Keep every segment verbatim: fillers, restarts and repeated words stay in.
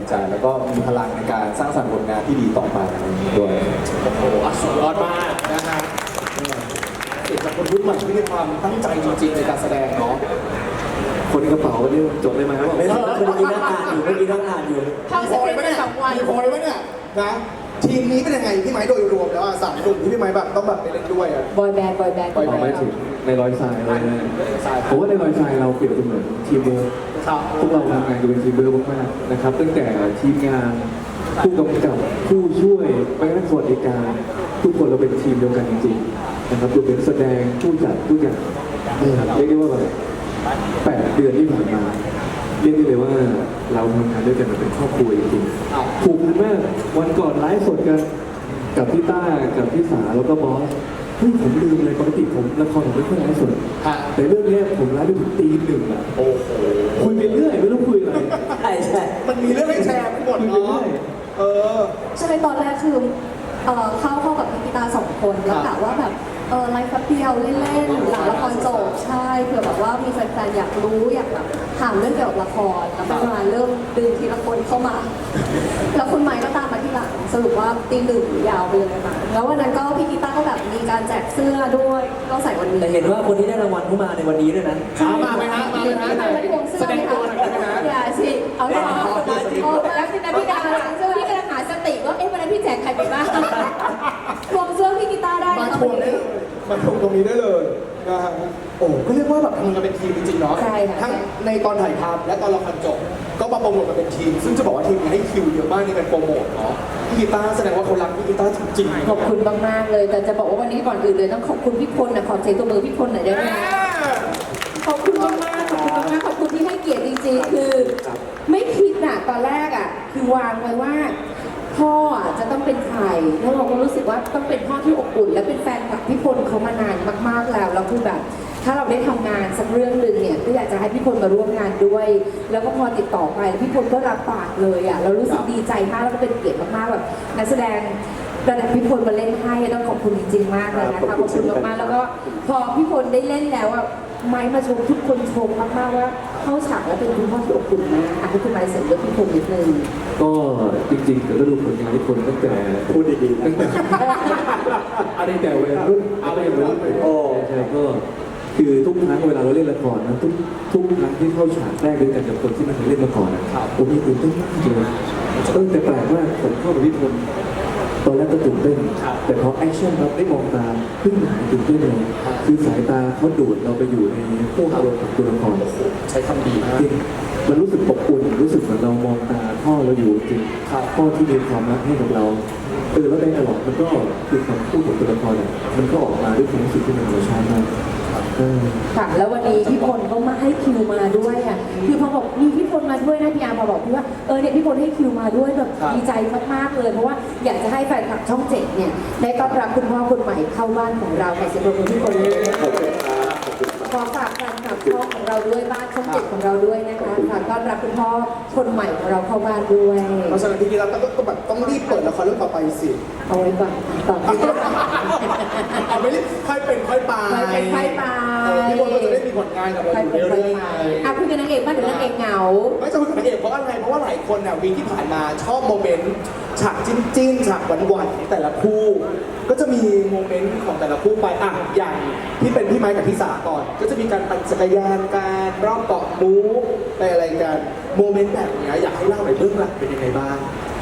ใจแล้วก็มีพลังในการสร้างสรรค์ผลงานที่ดีต่อไปอะไรอย่างนี้ด้วยโอ้โหสุดยอดมากนะฮะเกิดจากคนรุ่นใหม่ที่มีความตั้งใจจริงๆในการแสดงเนาะคนกระเป๋านี่จดได้ไหมว่าไม่ต้องเมื่อกี้นั่งอ่านอยู่เมื่อกี้นั่งอ่านอยู่ทำสเปนไม่ได้สองวันพอเลยไหมเนี่ยนะทีมนี้เป็นยังไงพี่ไม้โดยรวมแล้วอ่ะสามกลุ่มที่พี่ไม้แบบต้องแบบไปเล่นด้วยอ่ะบอยแบนด์บอยแบนด์บอยแบนด์ไม่ถึงในรอยทรายเลยนะผมว่าในรอยทรายเราเปรียบเสมือนทีมเวิร์คพวกเราทำงานกันเป็นทีมเวิร์คมากๆนะครับตั้งแต่ทีมงานผู้กำกับผู้ช่วยไปนักสวัสดิการทุกคนเราเป็นทีมเดียวกันจริงๆนะครับรวมถึงแสดงผู้จัดทุกอย่างเรียกได้ว่าแบบแปดเดือนที่ผ่านมาเรียกได้เลยว่าเราทำงานด้วยกันเป็นครอบครัวจริงๆผูกพันมากวันก่อนไลฟ์สดกันกับพี่ต้ากับพี่สาแล้วก็บอสเฮ้ยผมลืมเลยปกติผมละครผมไม่ค่อยไลฟ์สดแต่เรื่องนี้ผมไลฟ์ไปถึงตีหนึ่งอ่ะโอ้โหคุยไปเรื่อยไม่รู้คุยอะไรใช่ใช่มันมีเรื่องให้แชร์ทั้งหมดเนาะเออใช่ตอนแรกคือเอ่อเข้าเข้ากับพี่กีตาร์สองคนแล้วกะว่าแบบเออไลฟ์แป๊บเดียวเล่นๆหลังละครจบใช่เผื่อแบบว่ามีแฟนๆอยากรู้อยากแบบถามเรื่องเกี่ยวกับละครแล้วก็มาเริ่มดึงทีละคนเข้ามาแล้วคุณไม้ก็ตามมาที่หลังสรุปว่าตีหนึ่งยาวไปเลยค่ะแล้ววันนั้นก็พี่กีตาร์ก็แบบมีการแจกเสื้อด้วยก็ใส่วันนี้แต่เห็นว่าคนที่ได้รางวัลเข้ามาในวันนี้ด้วยนะมาไหมฮะมาไหมฮะแสดงตัวหน่อยได้ไหมฮะอย่าสิเอาเถอะแล้วพี่นาพี่ดาพี่กำลังหาสติว่าเอ๊ะวันนั้นพี่แจกใครไปบ้างทวงเสื้อพี่กีตาร์ได้มาทวงได้มาทวงตรงนี้ได้เลยนะฮะโอ้ก็เรียกว่าแบบทำงานกันเป็นทีมจริงๆเนาะทั้งในตอนถ่ายทำและตอนละครจบก็มาโปรโมทกันเป็นทีมซึ่งจะบอกว่าทีมนี้ให้คิวเยอะมากในการโปรโมทเนาะพี่กีตาร์แสดงว่าเขารักพี่กีตาร์จริงๆขอบคุณมากๆเลยแต่จะบอกว่าวันนี้ก่อนอื่นเลยต้องขอบคุณพี่พลนะขอเซ็นตัวมือพี่พลหน่อยได้ไหมขอบคุณมากๆขอบคุณมากๆขอบคุณที่ให้เกียรติจริงๆคือไม่คิดน่ะตอนแรกอ่ะคือวางไว้ว่าพ่อจะต้องเป็นใครแล้วเราก็รู้สึกว่าต้องเป็นพ่อที่อบอุ่นและเป็นแฟนคลับพี่พลเขามานานมากๆแล้วแล้วคือแบบถ้าเราได้ทำงานสักเรื่องหนึ่งเนี่ยก็อยากจะให้พี่พลมาร่วมงานด้วยแล้วก็พอติดต่อไปพี่พลก็รับปากเลยอ่ะเรารู้สึกดีใจมากแล้วก็เป็นเกียรติมากๆแบบนักแสดงระดับพี่พลมาเล่นให้ต้องขอบคุณจริงๆมากเลยนะคะขอบคุณมากๆแล้วก็พอพี่พลได้เล่นแล้วอ่ะไม้มาชมทุกคนชมมากๆว่าเข้าฉากแล้วเป็นคุณพ่อที่อบอุ่นนะอ่ะให้คุณไม้เสริมด้วยพี่พลนิดนึงก็จริงๆก็ดูผลงานที่คนตั้งแต่พูดดีๆตั้งแต่อะไรแต่วัยรุ่นอะไรวัยรุ่นโอ้ใช่ก็คือทุกครั้งเวลาเราเล่นละครนะทุกทุกครั้งที่เข้าฉากแรกด้วยกันกับคนที่ไม่เคยเล่นละครนะผมมีตื่นเต้นมากเลยเออแต่แปลกว่าผมเข้ากับพี่พลตอนแรกก็ตื่นเต้นแต่พอแอคชั่นเราได้มองตาเพิ่งหายตื่นเต้นเลยคือสายตาเขาดูดเราไปอยู่ในผู้อารมณ์ของตัวละครใช้คำดีมากมันรู้สึกอบอุ่นรู้สึกเหมือนเรามองตาพ่อเราอยู่จริงพ่อที่มีความรักให้กับเราเออแล้วในตลอดมันก็คือคำพูดของตัวละครเนี่ยมันก็ออกมาด้วยความรู้สึกที่มันธรรมชาติมากค่ะแล้ววันนี้พี่พลก็มาให้คิวมาด้วยอ่ะคือพอบอกมีพี่พลมาด้วยนะพี่อาร์พอบอกพี่ว่าเออเนี่ยพี่พลให้คิวมาด้วยแบบดีใจมากๆเลยเพราะว่าอยากจะให้แฟนคลับช่องเจ็ดเนี่ยได้ต้อนรับคุณพ่อคนใหม่เข้าบ้านของเราในเสียงปรบมือพี่พลเลยขอฝากแฟนคลับช่องของเราด้วยบ้านช่องเจ็ดของเราด้วยนะคะฝากต้อนรับคุณพ่อคนใหม่ของเราเข้าบ้านด้วยเพราะฉะนั้นทีนี้เราต้องแบบต้องรีบเปิดละครเรื่องต่อไปสิเอาไว้ก่อนต่อไปเอาไม่รีบค่อยเป็นค่อยไปค่อยเป็นค่อยไปพี่พลก็จะได้มีผลงานกับเราอยู่เรื่อยๆอ่ะคุยกันนางเอกบ้างเดี๋ยวนางเอกเหงาไม่จะคุยกับนางเอกเพราะอะไรเพราะว่าหลายคนเนี่ยวีคที่ผ่านมาชอบโมเมนต์ฉากจิ้นจิ้นฉากหวานหวานของแต่ละคู่ก็จะมีโมเมนต์ของแต่ละคู่ไปอ่ะอย่างที่เป็นพี่ไม้กับพี่สาก่อนก็จะมีการปั่นจักรยานการรอบเกาะมูไปอะไรกันโมเมนต์แบบนี้อยากให้เล่าหน่อยเบื้องหลังเป็นยังไงบ้าง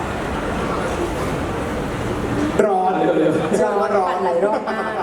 ร้อนเร็วๆใช่ไหมร้อนหลายรอบมาก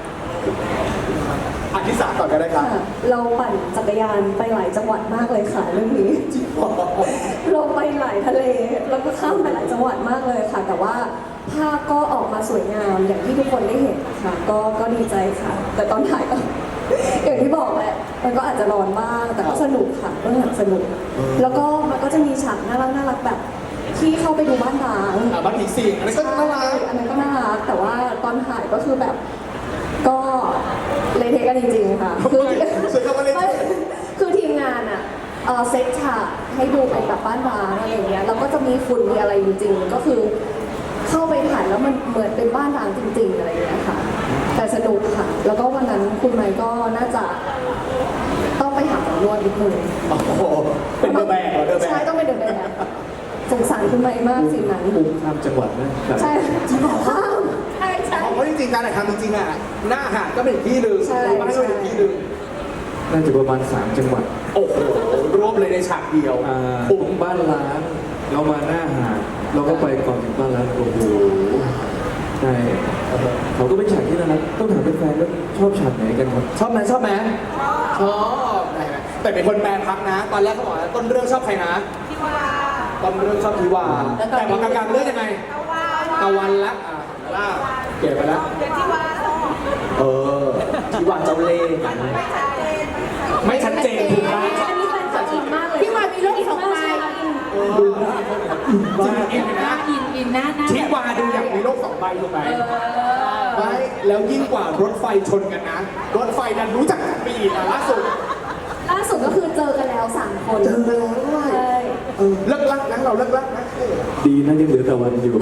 อันที่สามก่อนก็ได้ครับเราปั่นจักรยานไปหลายจังหวัดมากเลยค่ะเรื่องนี้เราไปหลายทะเลแล้วก็ข้ามไปหลายจังหวัดมากเลยค่ะแต่ว่าภาพก็ออกมาสวยงามอย่างที่ทุกคนได้เห็นค่ะก็ก็ดีใจค่ะแต่ตอนถ่ายก็อย่างที่บอกแหละมันก็อาจจะร้อนบ้างแต่ก็สนุกค่ะเรื่องหนังสนุกแล้วก็มันก็จะมีฉากน่ารักน่ารักแบบที่เข้าไปดูบ้านร้างบ้านผีสิงอันนั้นก็น่ารักอันนั้นก็น่ารักแต่ว่าตอนถ่ายก็คือแบบก็เลยเทกันจริงๆค่ะคือคือทีมงานอ่ะเซตฉากให้ดูเป็นแบบบ้านร้างอะไรอย่างเงี้ยแล้วก็จะมีฝุ่นมีอะไรจริงๆก็คือเข้าไปถ่ายแล้วมันเหมือนเป็นบ้านร้างจริงๆอะไรอย่างเงี้ยค่ะแต่สนุกค่ะแล้วก็วันนั้นคุณไมค์ก็น่าจะต้องไปหาหมอนวดนิดนึงโอ้โหเป็นเดอะแบกเหรอเดอะแบกใช่ต้องเป็นเดอะแบกสงสารคุณไม้มากสิ่งนั้นอุ้มข้ามจังหวัดนะครับใช่ข้ามใช่ใช่เพราะจริงๆการถ่ายทำจริงๆอ่ะหน้าหาดก็เป็นอีกที่หนึ่งใช่เราให้เราอีกที่หนึ่งน่าจะประมาณสามจังหวัดโอ้โหรวบเลยในฉากเดียวอ่าปุ๊ตบรงบ้านล้างเรามาหน้าหาดเราก็ไปก่อนถึงบ้านล้างโอ้โหใช่เขาก็เป็นฉากที่น่ารักต้องถามแฟนๆว่าชอบฉากไหนกันครับชอบไหมชอบไหมชอบได้ไหมแต่เป็นคนแปลพักนะ ตอนแรกเขาบอกว่าต้นเรื่องชอบใครนะทิวาต้นเรื่องชอบทิวาแต่พอกลางๆเรื่องยังไงตะวันละอ่ะล่าเปลี่ยนไปแล้วเออทิวาเจ้าเล่ห์ไม่ชัดเจนถูกไหมอันนี้เป็นจริงมากเลยพี่วานมีโรคสองใบดูจริงอินนะอินอินหน้าหน้าทิวาดูอย่างมีโลกสองใบถูกไหมไม่แล้วยิ่งกว่ารถไฟชนกันนะ รถไฟดันรู้จักกันไปอีกอ่ะล่าสุดล่าสุดก็คือเจอกันแล้วสามคนเจอกันแล้วด้วยใช่เออเลิกลักนะเราเลิกลักนะเออดีนะยังเหลือแต่วันอยู่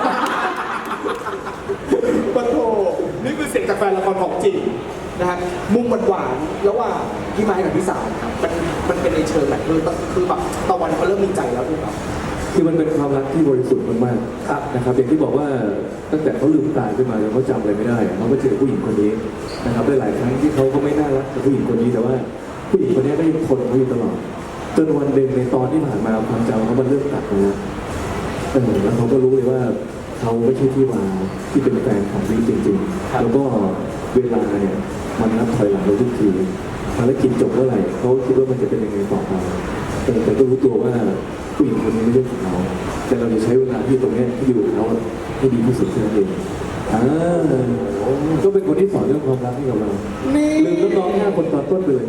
ปะโถนี่คือเสียงจากแฟนละครของจริงนะครับมุมหวานๆระหว่างพี่ไม้กับพี่สาวมันมันเป็นในเชิงแบบเออคือแบบตะวันเขาเริ่มมีใจแล้วถูกไหมคือมันเป็นความรักที่บริสุทธิ์มากๆครับนะครับอย่างที่บอกว่าตั้งแต่เขาลืมตาขึ้นมาแล้วเขาจำอะไรไม่ได้เขาก็เจอผู้หญิงคนนี้นะครับหลายๆครั้งที่เขาก็ไม่น่ารักกับผู้หญิงคนนี้แต่ว่าผู้หญิงคนนี้ก็ยังทนเขาอยู่ตลอดจนวันหนึ่งในตอนที่ผ่านมาความจำเขามันเริ่มตัดไปแล้วเออแล้วเขาก็รู้เลยว่าเขาไม่ใช่ที่มาที่เป็นแฟนของวิจริงๆแล้วก็เวลาเนี่ยมันนับถอยหลังเราทุกทีภารกิจจบเมื่อไหร่เขาคิดว่ามันจะเป็นยังไงต่อไปแต่แต่ก็รู้ตัวว่าผู้หญิงคนนี้ไม่ใช่ของเราแต่เราจะใช้เวลาที่ตรงเนี้ยที่อยู่กับเขาให้ดีที่สุดแค่นั้นเองอ่าก็เป็นคนที่สอนเรื่องความรักให้กับเรานี่ลืมน้องๆห้าคนตอนต้นไปเลย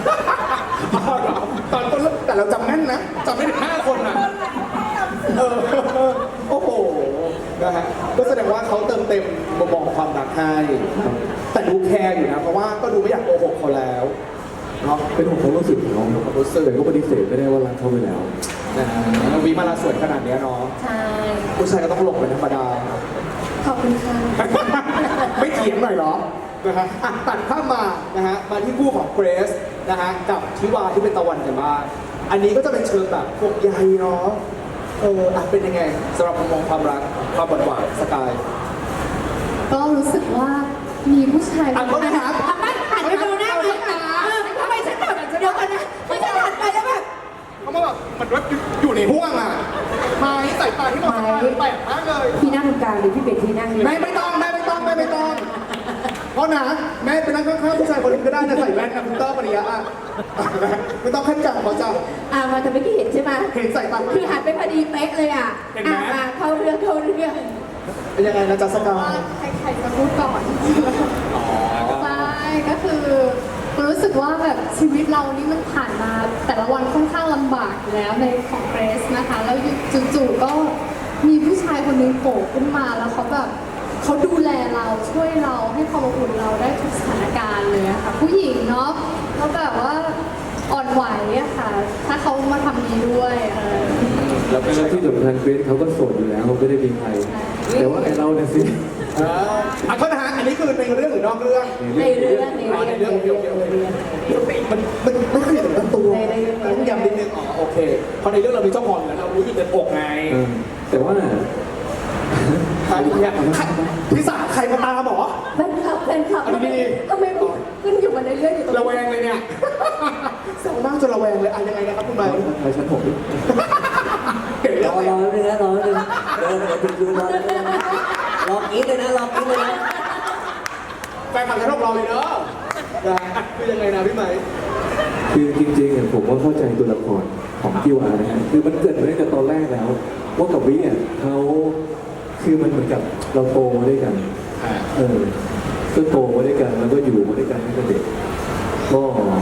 ตอนต้นเริ่มแต่เราจำแม่นนะจำไม่ถึงห้าคนอ่ะเออโอ้โหนะฮะก็แสดงว่าเขาเติมเต็มมุมมองความรักให้แต่ดูแคร์อยู่นะเพราะว่าก็ดูไม่อยากโกหกเขาแล้วเนาะเป็นของความรู้สึกของน้องความรู้สึกแต่ก็ปฏิเสธไม่ได้ว่ารักเขาไปแล้วนะฮะวีมาลาสวยขนาดเนี้ยเนาะใช่ผู้ชายก็ต้องหลงเป็นธรรมดาขอบคุณค่ะไม่เถียงหน่อยเหรอนะฮะอ่ะตัดภาพมานะฮะมาที่คู่ของเกรซนะฮะกับทิวาที่เป็นตะวันกันบ้างอันนี้ก็จะเป็นเชิงแบบพวกใยเนาะเอออ่ะเป็นยังไงสำหรับมุมมองความรักความหวานๆสกายก็รู้สึกว่ามีผู้ชายอ่ะเขาถามทำไมหันไปดูหน้าไหมทำไมฉันแบบเดี๋ยวกันนะไม่ฉันหันไปแล้วแบบเขามาแบบมันว่าอยู่ในห่วงอ่ะไม้ใส่ตาที่มองสกายแปลกมากเลยพี่นั่งตรงกลางหรือพี่เป็ดที่นั่งแม่ไม่ต้องแม่ไม่ต้องแม่ไม่ต้องเพราะนะแม่ไปนั่งข้างๆผู้ชายคนอื่นก็ได้นะใส่แว่นนะคุณเตอร์ปริยะอ่ะไม่ต้องขั้นกลางเขาจะอ่ามาแต่ไม่อกี้เห็นใช่ไหมเห็นใส่ตาคือหันไปพอดีเป๊ะเลยอ่ะเห็นไหมอ่ะมาเข้าเรื่องเข้าเรื่องเป็นยังไงนะจ๊ะสกาว่าย ใครๆจะพูดก่อนใช่ก็คือรู้สึกว่าแบบชีวิตเรานี่มันผ่านมาแต่ละวันค่อนข้างลำบากอยู่แล้วในของเกรสนะคะ แล้วจู่ๆก็มีผู้ชายคนหนึงโผล่ขึ้นมาแล้วเขาแบบเขาดูแลเราช่วยเราให้ความอบอุ่นเราได้ทุกสถานการณ์เลยอะค่ะ ผู้หญิงเนาะเขาแบบว่าอ่อนไหวอะค่ะ ถ้าเขามาทำนี้ด้วยเออแล้วก็แล้วที่สำคัญเกรซเขาก็โสดอยู่แล้วเขาไม่ได้มีใคร แต่ว่าไอเราเนี่ยสิเอออ่ะโทษนะฮะอันนี้คือในเรื่องหรือนอกเรื่องในเรื่องในอ๋อในเรื่เรื่อองงโอเคโอเคโอเคในเรื่องมันมันไม่ค่อยถึงต้นตัวในในเรื่องต้องย้ำนิดนึงอ๋อโอเคเพราะในเรื่องเรามีเจ้าของแล้วเรารู้อยู่ในอกไงเออแต่ว่าใครเนี่ยใครพี่สาใครมาตามหมอแฟนคลับแฟนคลับอันนี้ทำไมขึ้นอยู่มาในเรื่องอยู่ตรงระนี้แวงเลยเนี่ยแซวมากจนระแวงเลยอ่ะยังไงนะครับคุณใบใครชั้นหกดิเก่งรแล้อวรอเลยนะรอเลยเดินไปถึงยืนรอเลยนะรอกินเลยนะรอกินเลยนะแฟนคลับจะรบเราเลยเนอะนะฮะคือยังไงนะพี่ไหมคือจริงๆเนี่ยผมว่าเข้าใจตัวละครของทิวานะฮะคือมันเกิดมาตั้งแต่ตอนแรกแล้ว ว่ากับวิอ่ะเขาคือมันเหมือนกับเราโตมาด้วยกัน เออก็โตมาด้วยกันแล้วก็อยู่มาด้วยกันตั้งแต่เด็กก็